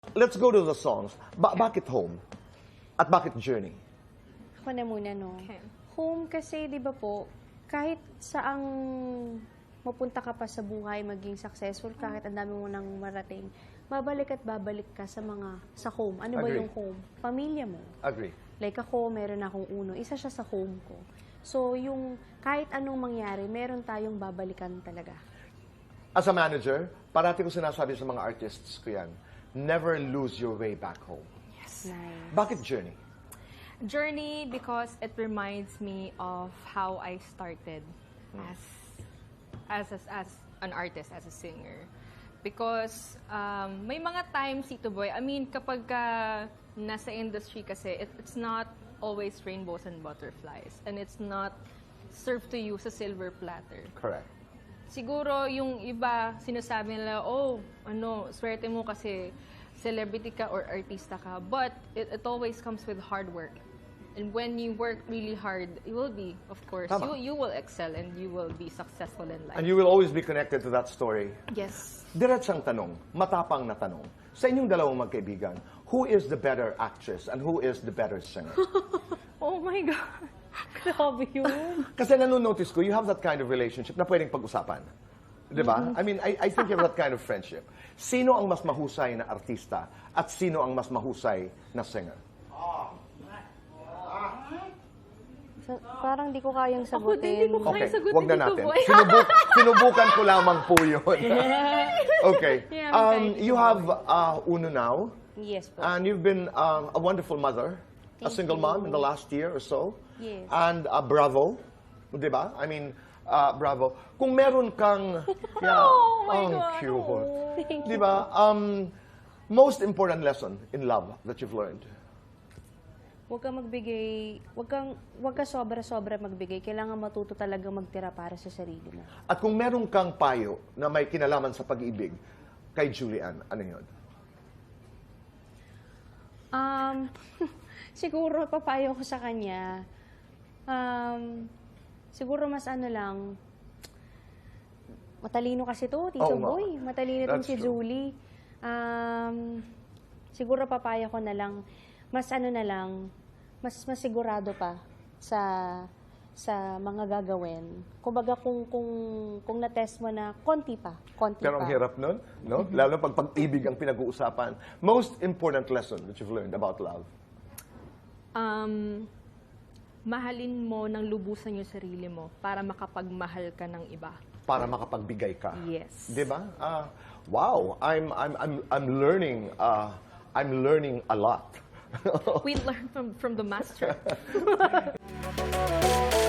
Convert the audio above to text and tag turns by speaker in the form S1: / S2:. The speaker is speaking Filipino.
S1: Let's go to the songs. Bakit Home? At bakit Journey?
S2: Ako na muna, no?
S3: Okay.
S2: Home kasi, di ba po, kahit saang mapunta ka pa sa buhay, maging successful, kahit ang dami mo nang marating, babalik at babalik ka sa home. Ano ba
S1: Agree.
S2: yung home? Pamilya mo.
S1: Agree.
S2: Like ako, meron akong uno. Isa siya sa home ko. So, yung kahit anong mangyari, meron tayong babalikan talaga.
S1: As a manager, parati ko sinasabi sa mga artists ko yan, never lose your way back home.
S3: Yes.
S2: Nice.
S1: Bakit Journey?
S3: Journey because it reminds me of how I started as an artist, as a singer. Because may mga times, Tito Boy, I mean, kapag nasa industry kasi, it's not always rainbows and butterflies. And it's not served to you sa silver platter.
S1: Correct.
S3: Siguro yung iba, sinasabi nila, swerte mo kasi celebrity ka or artista ka. But it always comes with hard work. And when you work really hard, you will be, of course,
S1: Tama.
S3: you will excel and you will be successful in life.
S1: And you will always be connected to that story.
S3: Yes.
S1: Diretsang tanong, matapang na tanong. Sa inyong dalawang magkaibigan, who is the better actress and who is the better singer?
S3: Oh my God.
S2: Grabe yun.
S1: Kasi nanonotice ko, you have that kind of relationship na pwedeng pag-usapan. Di ba? I mean, I think you have that kind of friendship. Sino ang mas mahusay na artista at sino ang mas mahusay na singer?
S2: So, parang di ko kayang
S3: Ako din,
S2: sagutin.
S3: di ko kaya
S1: Okay,
S3: sagutin
S1: wag na
S3: dito,
S1: natin.
S3: boy.
S1: Sinubukan ko lamang po yun. Okay.
S3: Yeah, okay.
S1: You have Uno now,
S2: Yes po.
S1: and you've been a wonderful mother, a
S2: Thank
S1: single
S2: you.
S1: mom in the last year or so.
S2: Yes.
S1: And bravo, di ba? I mean, bravo. Kung meron kang... Yeah,
S3: Oh my
S1: ang
S3: God,
S1: cute.
S3: oh.
S2: Thank
S1: Di ba? Most important lesson in love that you've learned?
S2: Huwag kang magbigay, huwag ka sobra-sobra magbigay. Kailangan matuto talaga magtira para sa sarili mo.
S1: At kung meron kang payo na may kinalaman sa pag-ibig kay Julian, ano yun?
S2: Siguro papayo ko sa kanya, siguro mas ano lang, matalino kasi to, Tito
S1: Oo nga.
S2: Boy. Matalino din
S1: That's
S2: si
S1: true.
S2: Julie. Siguro papayo ko na lang, mas ano na lang, mas sigurado pa sa mga gagawin. Kumbaga kung na-test mo na konti pa.
S1: Pero ang hirap nun, no? Lalo pag pag-ibig ang pinag-uusapan. Most important lesson that you've learned about love?
S3: Mahalin mo ng lubusan yung sarili mo para makapagmahal ka ng iba.
S1: Para makapagbigay ka.
S3: Yes.
S1: Di ba? Wow, I'm learning a lot.
S3: We learn from the master.